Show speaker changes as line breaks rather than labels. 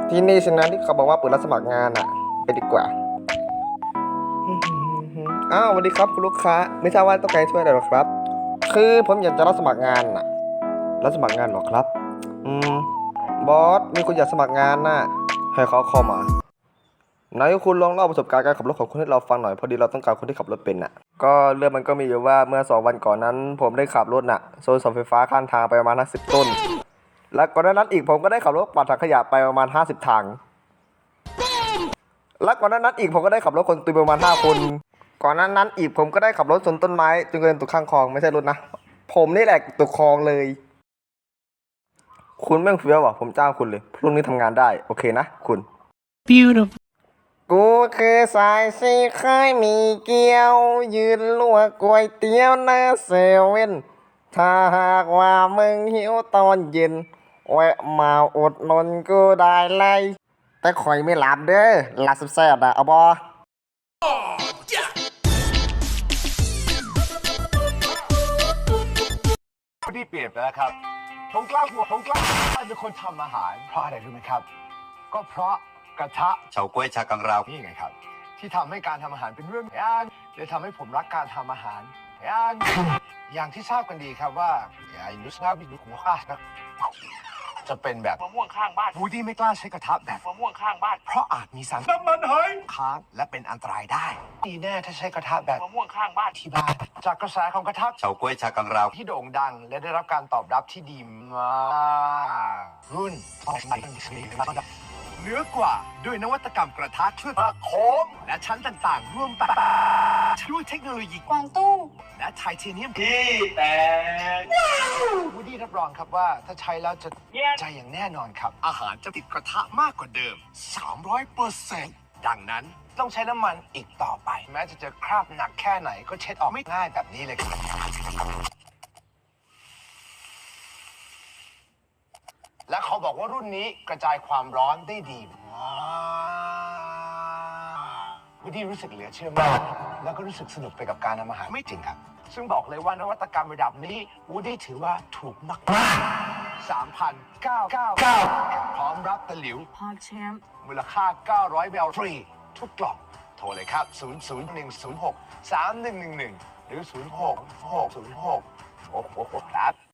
ที่นี่สินะที่เขาบอกว่าเปิดรับสมัครงานอะไปดีกว่าอ้าวสวัสดีครับคุณลูกค้าไม่ทราบว่าต้องการช่วยอะไรหรอครับคือผมอยากจะรับสมัครงานน่ะรับสมัครงานหรอครับอืมบอสมีคนอยากสมัครงานน่ะให้เขาเข้ามาไหนคุณลองเล่าประสบการณ์การขับรถของคุณให้เราฟังหน่อยพอดีเราต้องการคนที่ขับรถเป็นน่ะก็เรื่องมันก็มีอยู่ว่าเมื่อ2 วันก่อนนั้นผมได้ขับรถน่ะโซนเสาไฟฟ้าข้างทางไปประมาณ50 ต้นและก่อนหน้านั้นอีกผมก็ได้ขับรถปัดถังขยะไปประมาณ50 ถังและก่อนหน้านั้นอีกผมก็ได้ขับรถคนตุยประมาณ5 คนก่อนหน้านั้นอีกผมก็ได้ขับรถชนต้นไม้จนกระเด็นตกข้างคลองไม่ใช่รถนะผมนี่แหละตกคลองเลยคุณแม่งเฟี้ยวว่ะผมจ้างคุณเลยพรุ่งนี้ทำงานได้โอเคนะคุณ
Beautiful.
กูคือสายสีเคยมีเกี๊ยวยืนลวกก๋วยเตี๋ยวหน้าเซเว่นถ้าหากว่ามึงหิวตอนเย็นแวะมาอดนนกูได้เลยแต่ข่อยไม่หลับเด้อหลับแซ่บๆอะเอาบอ
พอดีเปลี่ยนไปแล้วครับผมกล้าเป็นคนทำอาหารเพราะอะไรรู้ไหมครับ ก็เพราะกระทะ
เฉาก๊วยชากังราว
นี่ไงครับ ที่ทำให้การทำอาหารเป็นเรื่องยากเลยทำให้ผมรักการทำอาหารอย่างที่ทราบกันดีครับว่าอินดุสนาบินหัวข้าจะเป็นแบบ
มะม่วงข้างบ้าน
วูดี้ไม่กล้าใช้กระทะแบบ
มะม่วงข้างบ้าน
เพราะอาจมีสารน้ำมันหอยค้างและเป็นอันตรายได้ดีแน่ถ้าใช้กระทะแบบ
มะม่วงข้างบ้าน
ที่บ้านจากกระแสของกระทะ
เฉาก๊วยชากังราว
ที่โด่งดังและได้รับการตอบรับที่ดีมากรุ่นเหนือกว่าด้วยนวัตกรรมกระทะช่วยประโคมและชั้นต่างๆร่วมแบบด้วยเทคโนโลยี
กวางตุ้ง
และไทเทเนียม
ที่แต่
วูดี้รับรองครับว่าถ้าใช้แล้วจะใจอย่างแน่นอนครับ อาหารจะติดกระทะมากกว่าเดิม 300%ดังนั้นต้องใช้น้ำมันอีกต่อไป แม้จะเจอคราบหนักแค่ไหนก็เช็ดออกไม่ง่ายแบบนี้เลยครับและเขาบอกว่ารุ่นนี้กระจายความร้อนได้ดีวูดดี้รู้สึกเหลือเชื่อมากแล้วก็รู้สึกสนุกไปกับการทำอาหารไม่จริงครับ ซึ่งบอกเลยว่านวัตกรรมระดับนี้วูดดี้ถือว่าถูกมาก3,999พร้อมรับตะหลิว
พอแชมป์
มูลค่า900แบลฟรีทุกกล่องโทรเลยครับ 001063111 หรือ 0660606ครับ